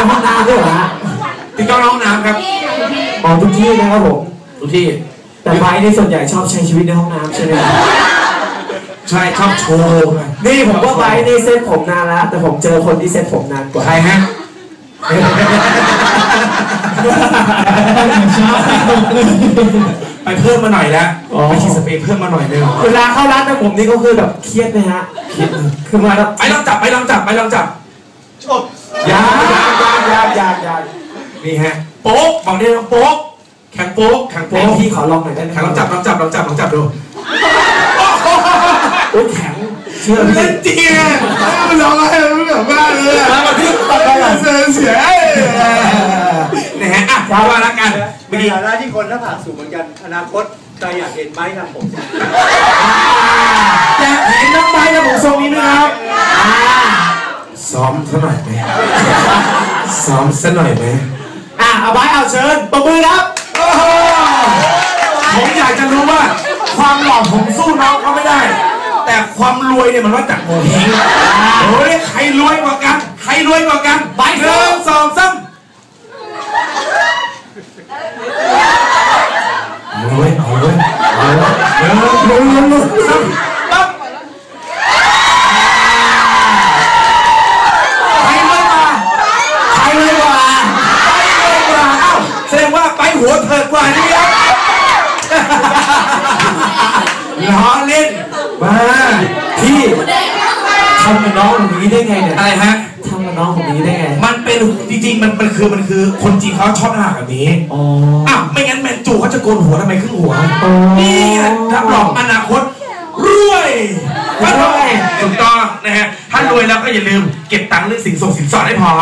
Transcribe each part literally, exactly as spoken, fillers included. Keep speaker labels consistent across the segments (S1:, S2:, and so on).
S1: ในห้องน้ำด้วยเหรอฮะ
S2: ติดกล้องในห้องน้ำครับ
S1: อ๋อทุกที่นะครับผม
S2: ทุกที่
S1: แต่ไบในส่วนใหญ่ชอบใช้ชีวิตในห้องน้ำใช่ไหม
S2: ใช่ชอบโชว์
S1: นี่ผมว่าไบในเซ็ตผมนานแล้วแต่ผมเจอคนที่เซ็ตผมนานกว่า
S2: ใครฮะไปเพิ่มมาหน่อยแล้วไปฉีดสเปรย์เพิ่มมาหน่อยนึง
S1: เวลาเข้าร้านแต่ผมนี่ก็คือแบบเครียดนะฮะ
S2: เครียด
S1: คือมาแล้ว
S2: ไปลองจับไปลองจับไปลองจับ
S1: จบยายายายายา
S2: นี่ฮะโป๊กบอกได้ว่าโป๊กแข่งโป๊กแข่งโป๊ก
S1: พี่ขอลองหน่อยได้ไหม
S2: แข่งลองจับลองจับลองจับลองจับดู
S1: โอ้ยแข็ง
S2: เชื่อพี่จริงอ่ะมันร้องอะไรมันแบบบ้าเลยอ่ะมาที่ตัดไปอ่ะเสียเสียนะฮะอ่ะว่าละกัน
S3: ในฐานะที่คนหน้าผากสูงเหมือนกันอนาคตใครอยากเห็นไบค์ทำผม
S2: อยากเห็นน้องไบค์ทำผมทรงนี้ไหมครับซ้อมซะหน่อยไหมซ้อมซะหน่อยไหม
S1: อ่ะเอาไบค์เอาเชิญปรบมือครับ
S2: ผมอยากจะรู้ว่าความหล่อผมสู้น้องเขาไม่ได้แต่ความรวยเนี่ยมันว่าจากโมเฮงโอ้ยใครรวยกว่ากันใครรวยกว่ากัน
S1: ไป
S2: หนึ่งสองสามรวยเอาเลยเอาเลยหนึ่งสองสามปั๊บใครรวยกว่าใครรวยกว่าใครรวยกว่าเอ้าแสดงว่าไปหัวเถิดกว่านี่ครับล้อเล่น
S1: มาพี่ทำกับน้องอย่างนี้ได้ไงเนี่ย
S2: อะไรฮะ
S1: ทำกับน้องอย่างนี้ได้ไง
S2: มันเป็นจริงๆมันมันคือมันคือคนจีนเขาชอบหน้าแบบนี้
S1: อ๋อ
S2: อ้าวไม่งั้นแมนจูเขาจะโกนหัวทำไมครึ่งหัวนี่รับรองอนาคตรวยรวยถูกต้องนะฮะถ้ารวยแล้วก็อย่าลืมเก็บตังค์เรื่องสินส่งสินสอดให้พอ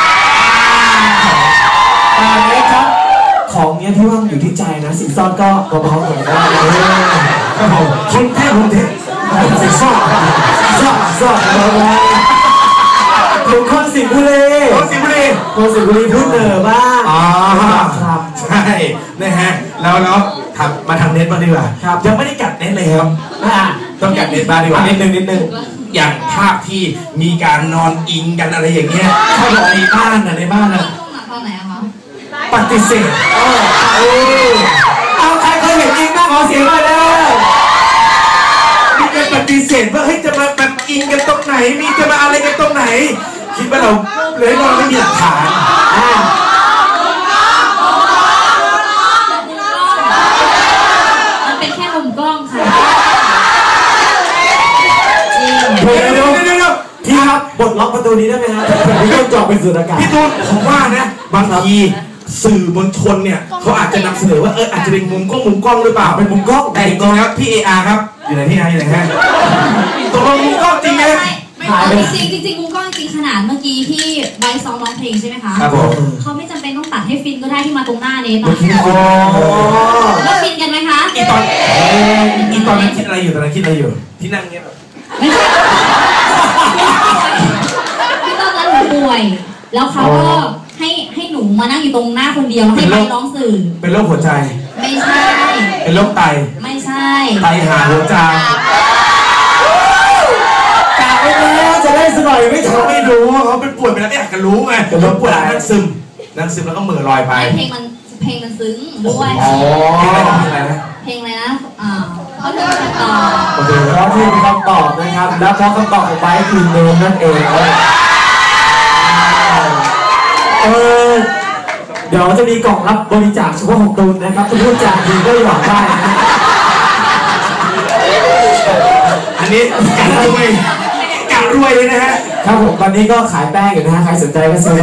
S1: อ่าเนี่ยครับของเนี้ยพี่ว่าอยู่ที่ใจนะสินสอดก็เบาๆหน่อยได้
S2: คนแท้คนแท้
S1: สินสอดสินสอดสินสอดเบาๆถึงคนสิงห์บุรี
S2: คนสิงห์บุรี
S1: คนสิงห์บุรีพูดเหนือบ้าง
S2: อ๋อครับใช่นะฮะแล้วแล้วทำมาทำเน็ตบ้างดีกว่ายังไม่ได้กัดเน็ตเลยครับต้องกัดเน็ตบ้างดีกว่า
S1: นิดนึงนิดนึง
S2: อย่างภาพที่มีการนอนอิงกันอะไรอย่างเงี้ยเขาบอกในบ้านนะในบ้านนะ
S4: ตอนไหนอะคะ
S2: ปฏิเสธ
S1: เอาใครเคยเห็นอิงบ้างขอเสียงหน่อยเลย
S2: มีการปฏิเสธว่าเฮ้ยจะมาแบบอิงกันตรงไหนมีจะมาอะไรกันตรงไหนคิดว่าเราเลยเราไม่มีหลักฐาน
S4: มันเป็นแค่มุมกล้องค่ะ
S1: เดี๋ยวเดี๋ยวเดี๋ยวพี่ครับบทล็อกประตูนี้ได้ไหมครับพี่ต้องจอดเป็นสุดอากาศ
S2: พี่ตูนผมว่านะบางทีสื่อมวลชนเนี่ยเขาอาจจะนำเสนอว่าเอออาจจะเป็นมุมกล้องมุมกล้องหรือเปล่าเป็นมุมกล้องแต่จริงๆแล้วพี่เออาร์ครับอยู่ไหนพี่อาร์อยู่ไหนฮะตกลงมุมกล้องจริงไหม
S4: จริงจริงจริงมุมกล้องจริงขนาดเมื่อกี้ที่ไบซ้อมร้องเพลงใช่ไหมคะ
S2: ครับผม
S4: เขาไม่จำเป็นต้องตัดให้ฟินก็ได้ที่มาตรงหน้าเนี่ยต
S1: อน
S4: แล้วฟินกันไหมคะ
S2: อีตอนอีตอนนั้นคิดอะไรอยู่ตอนนั้นคิดอะไรอยู่ที่นั่งเงี้ยแบบ
S4: ไม่ใช่ที่ตอนนั้นหนูป่วยแล้วเขาก็ให้ให้หนูมานั่งอยู่ตรงหน้าคนเดียวแล้วให้ไปร้องสื่อ
S2: เป็นโรคหัวใจ
S4: ไม่ใช่
S2: เป็นโรคไต
S4: ไม่ใช่
S2: ไตหาหัวใจ
S1: กะไว้แล้วจะได้สน่อยไม่
S2: เขาไม่รู้เขาเป็นป่วยไปแล้วไม่อยากจะรู้ไงแต่เขาป่วยนั่งซึมนั่งซึมแล้วก็เหม่อลอยไป
S4: เพลงมันเพลงมันซึ้งด้วย
S2: อ๋อเพลงอะไรนะ
S4: เพลงอะไรนะอ่าเขาจะคำตอบ
S1: โอเคแล้วที่เป็นคำตอบนะครับแล้วเพราะคำตอบของไบค์คือเนมนั่นเองเออเดี๋ยวจะมีกล่องรับบริจาคเฉพาะของตูนนะครับทุกผู้จาดีก็หยอดได้
S2: อันนี้การรวยการรวยเลยนะฮะ
S1: ครับผมตอนนี้ก็ขายแป้งอยู่นะฮะใครสนใจก็ซื้อ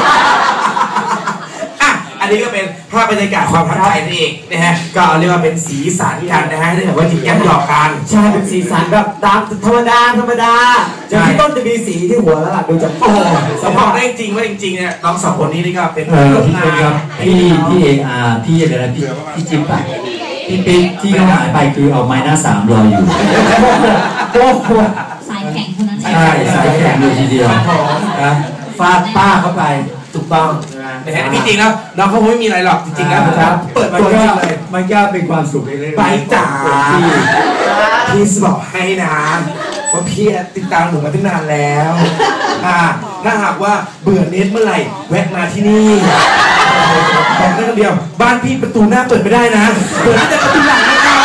S2: อันนี้ก็เป็นภาพบรรยากาศความทักทายนั่นเองนะฮะก็เรียกว่าเป็นสีสันกันนะฮะที่แบบว่าหยิบยั้งหยอกกัน
S1: ใช่เป็นสีสันแบบตามธรรมดาธรรมดาอย่างที่ต้นจะมีสีที่หัวแล้วล่ะดูจาก
S2: โอ้สมมติได้จริงว่าจริงๆเนี่ยน้องสองคนนี้นี่ก็เป็น
S5: พี่เป็นครับพี่พี่เออาร์พี่อะไรนะพี่พี่จิ๊บอะพี่ปิ๊กที่เขาหายไปคือเอาไม้หน้าสามรออยู่
S1: โอ้โห
S4: สายแข็งคนนั้น
S5: ใช่สายแข็งเลยทีเดียวนะฟาดป้าเข้าไป
S2: ถูกต้องนะฮะพี่จริงแล้วน้องเขาไม่มีอะไรหรอกจริงๆแล้วครับเปิดตัวเลย
S5: มันก็เป็นความสุขเลย
S2: ไปจ๋าพี่บอกให้นะว่าพี่ติดตามหนูมาตั้งนานแล้วอ่าถ้าหากว่าเบื่อเน็ตเมื่อไหร่แวะมาที่นี่บอกได้คำเดียวบ้านพี่ประตูหน้าเปิดไม่ได้นะเปิดแต่ประตูหลังนะครับ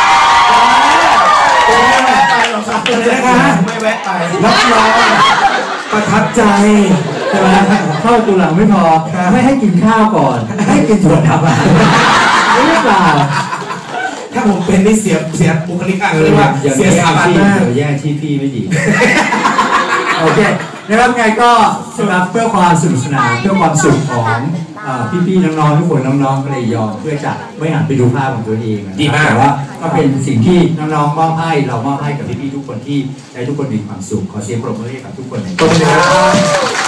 S2: ไม่แวะไปหรอกครับนะคะไม่แวะไปรับรองประทับใจ
S5: ใช่ไหมเข้าตัวหลังไม่พอไม่ให้กินข้าวก่อนให้กินถั่วดำอ่ะไม่หรือเปล่า
S2: ถ้าผมเป็นนี่เสียเสียบุคลิกอ่ะเรียกว่าเสียสถาบันมาก
S5: แย่งที่พี่ไม่ดีโอเคนะครับไงก็สำหรับเพื่อความสนุกสนานเพื่อความสุขของพี่ๆน้องๆทุกคนน้องๆก็เลยยอมเพื่อจะไม่หันไปดูภาพของตัวเอง
S2: ดีมาก
S5: แต่ว่าก็เป็นสิ่งที่น้องๆมอบให้เรามอบให้กับพี่ๆทุกคนที่ให้ทุกคนมีความสุขขอเสียงปรบมือให้กับทุกคนเลย